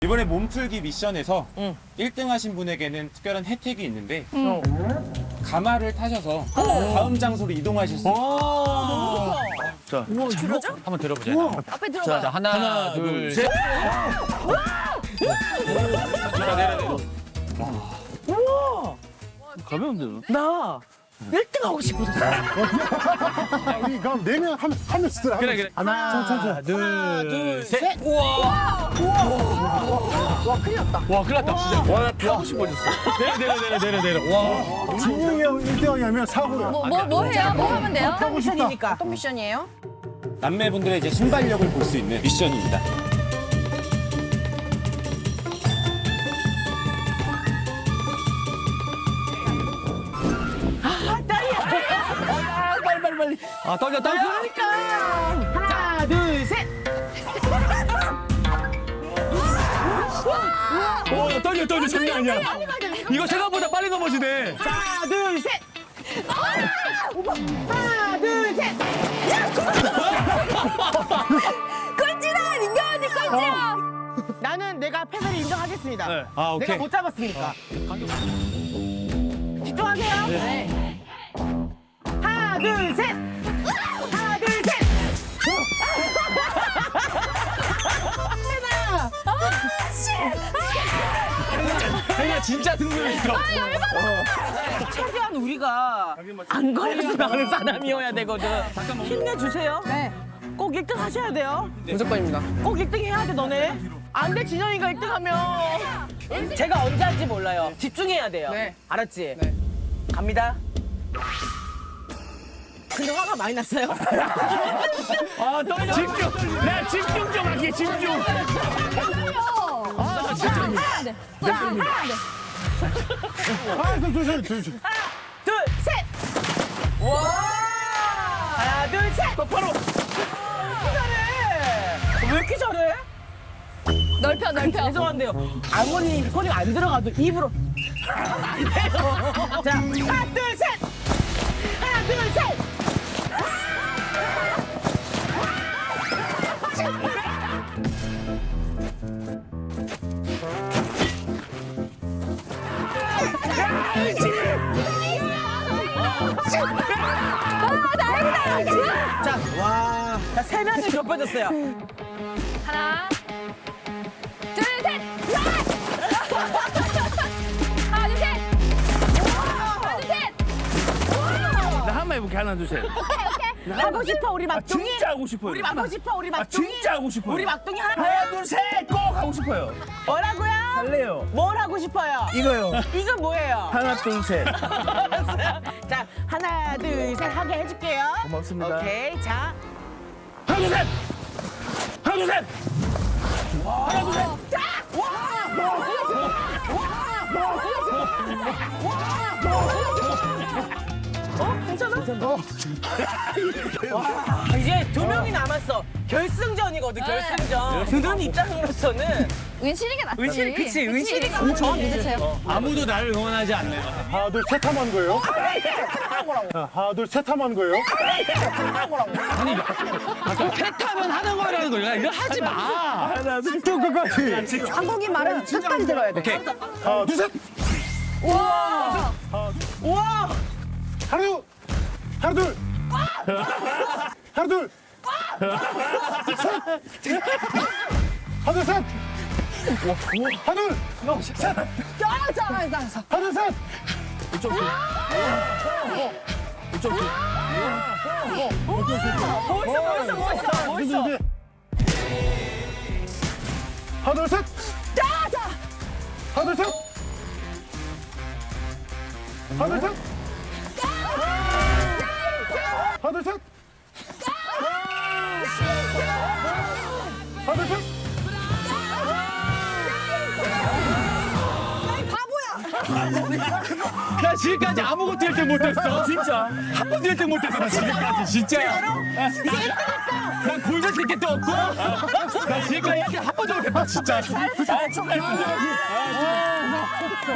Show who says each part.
Speaker 1: 이번에 몸풀기 미션에서 1등 하신 분에게는 특별한 혜택이 있는데 가마를 타셔서 다음 장소로 이동하실 수 있어요.
Speaker 2: 자,
Speaker 3: 한번 들어보자.
Speaker 4: 앞에 들어봐.
Speaker 3: 자, 하나, 둘, 셋.
Speaker 2: 가면 안 되나?
Speaker 5: 나 1등 하고 싶어졌어.
Speaker 6: 우리 그럼 4명 한 명씩 들어.
Speaker 3: 그래.
Speaker 2: 하나,
Speaker 3: 둘, 셋. 우와.
Speaker 5: 와, 큰일 났다.
Speaker 3: 와, 큰일 났다, 진짜.
Speaker 2: 와, 나 타고 싶어졌어.
Speaker 3: 내려. 와.
Speaker 6: 진영이 형 1등하면 사고야.
Speaker 4: 뭐 해요? 뭐 하면 돼요?
Speaker 5: 어떤 미션이니까.
Speaker 4: 어떤 미션이에요?
Speaker 1: 남매분들의 이제 순발력을 볼 수 있는 미션입니다.
Speaker 5: 빨리.
Speaker 3: 아, 떨려.
Speaker 5: 그러니까. 하나, 둘, 셋.
Speaker 3: 오, 떨려. 장난 아니야. 이거 생각보다 빨리 넘어지네.
Speaker 5: 하나, 둘, 셋. 하나, 둘, 셋.
Speaker 4: 꼴찌다! 민경 언니 꼴찌야!
Speaker 5: 나는 내가 패배를 인정하겠습니다.
Speaker 2: 네.
Speaker 3: 아, 오케이.
Speaker 5: 내가 못 잡았으니까. 집중하세요.
Speaker 4: 네.
Speaker 5: 하나, 둘, 셋. 하나, 둘, 셋.
Speaker 3: 혜리야, 진짜 승부였어.
Speaker 5: 최대한 우리가 안 걸려서 나오는 사람이어야 되거든. 힘내주세요.
Speaker 4: 네.
Speaker 5: 꼭 1등 하셔야 돼요.
Speaker 3: 무조건입니다.
Speaker 5: 꼭 1등 해야 돼, 너네. 안 돼, 진영이가 1등 하면. 제가 언제 할지 몰라요. 집중해야 돼요.
Speaker 4: 네.
Speaker 5: 알았지? 갑니다. 근데 화가 많이 났어요.
Speaker 3: 아, 떨려. 집중. 나 집중 좀 할게, 집중.
Speaker 4: 아, 진짜. 하면 안 돼. 하면 안 돼.
Speaker 6: 하나, 둘, 셋.
Speaker 5: 둘, 셋! 와! 하나, 둘, 셋!
Speaker 3: 똑바로.
Speaker 5: 왜 이렇게 잘해?
Speaker 4: 넓혀.
Speaker 5: 죄송한데요. 아무리 소리 안 들어가도 입으로. 안 돼요. 자, 하나, 둘, 셋! 하나, 둘, 셋! 자, 와. 자, 3명이 좁혀졌어요.
Speaker 4: 하나, 둘, 셋! 하나, 둘, 셋! 하나, 둘, 셋!
Speaker 2: 나 한 번 해볼게. 하나, 둘, 셋.
Speaker 5: 하고 싶어, 우리 막둥이.
Speaker 2: 진짜 하고 싶어요.
Speaker 5: 우리 하고 싶어, 우리 막둥이.
Speaker 2: 진짜 하고 싶어요.
Speaker 5: 우리 막둥이 하나.
Speaker 2: 하나, 둘, 셋. 꼭 하고 싶어요.
Speaker 5: 뭐라고요?
Speaker 2: 할래요.
Speaker 5: 뭘 하고 싶어요?
Speaker 2: 이거요.
Speaker 5: 이거 뭐예요?
Speaker 2: 하나, 둘, 셋.
Speaker 5: 알았어요. 자, 하나, 둘, 셋 하게 해줄게요.
Speaker 2: 고맙습니다.
Speaker 5: 오케이, 자.
Speaker 2: 하나, 둘, 셋. 하나, 둘, 셋. 하나, 둘, 셋.
Speaker 5: 괜찮아? 와, 이제 2명이 남았어. 결승전이거든, 결승전. 드는 입장으로서는
Speaker 4: 은실이가 낫지.
Speaker 5: 은실이, 그치, 은실이가
Speaker 4: 저 믿으세요.
Speaker 3: 아무도 나를 응원하지 않네요.
Speaker 6: 하나, 둘, 셋 하면 하는 거예요? 자, 하나, 둘, 셋 하면 하는 거예요?
Speaker 3: 패타면 하는 거라는 거야. 이거 하지 마.
Speaker 2: 하나, 둘,
Speaker 6: 또 끝까지.
Speaker 4: 한국이 말은 끝까지 들어야 돼.
Speaker 3: 오케이.
Speaker 6: 하나, 둘, 셋.
Speaker 5: 우와!
Speaker 6: 하나, 둘. 하나, 둘. 하나, 둘. 셋. 하나, 둘, 셋. 하나, 둘. 셋. 하나, 둘, 셋.
Speaker 5: 멋있어.
Speaker 6: 하나, 둘, 셋. 하나, 둘, 셋. 하나, 둘, 셋. 하나, 둘, 셋. 하나, 둘, 셋.
Speaker 3: 나 지금까지 아무것도 1등 못했어. 진짜. 한 번도 1등 못했어. 나 지금까지. 진짜. 난 골든 티켓도 없고. 나 지금까지 1등 한 번도 못했어. 진짜.